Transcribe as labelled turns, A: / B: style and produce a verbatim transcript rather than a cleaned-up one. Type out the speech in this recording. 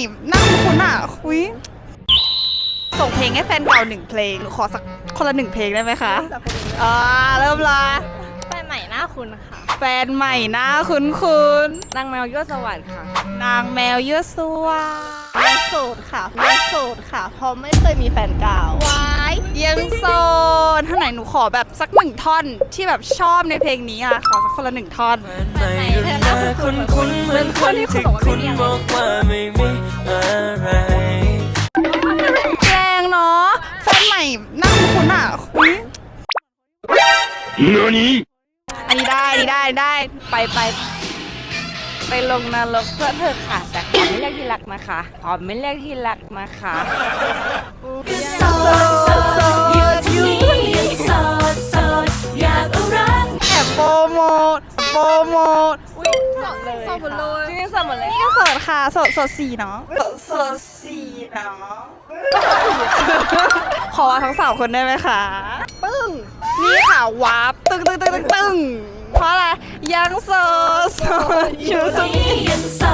A: หน้าคุ้นๆอ่ะคุยส่งเพลงให้แฟนเก่าหนึ่งเพลงหนูขอสักคนละหนึ่งเพลงได้ไหมคะอ่าเริ่มละ
B: แฟนใหม่หน้าคุณค่ะ
A: แฟนใหม่หน้าคุ้น
B: นางแมวยั่วสวัสดิ์ค่ะ
A: ๆนางแมวเยอะสัว
B: ยังโสดค่ะยังโสดค่ะเพราะไม่เคยมีแฟนเก่าว
A: ายยังโซนท่านไหนหนูขอแบบสักหนึ่งท่อนที่แบบชอบในเพลงนี้อ่ะขอสักคนละหนึ่งท่อน
C: ไม่ดูแลคุณคุณเหมือนคนที่คุณบอกว่าไม่มีอะไร
A: แรงเนาะแฟนใหม่หน้าคุ้นๆอ่ะคุยอันนี้ได้อันนี้ได้ได้
B: ไปไปไปลงนรกเพื่อเธอค่ะแต่ขอไม่เรียกที่รักนะคะขอไม่เรียกที่รักนะคะ
A: โซแอบโปรโมทโปรโมท
B: อุ้ยสดเลยสดหมดเลยจริงๆสดหมดเลย
A: นี่ก็โสดค่ะโสดโสดสี่เนาะโสดสี่เนาะขอทั้งสามคนได้ไหมคะปึ้งนี่ค่ะวาร์ปตึ้งตึ้งตึ้งตึ้งตึ้งเพราะอะไรยังโสดโสดอยู่ตรงนี้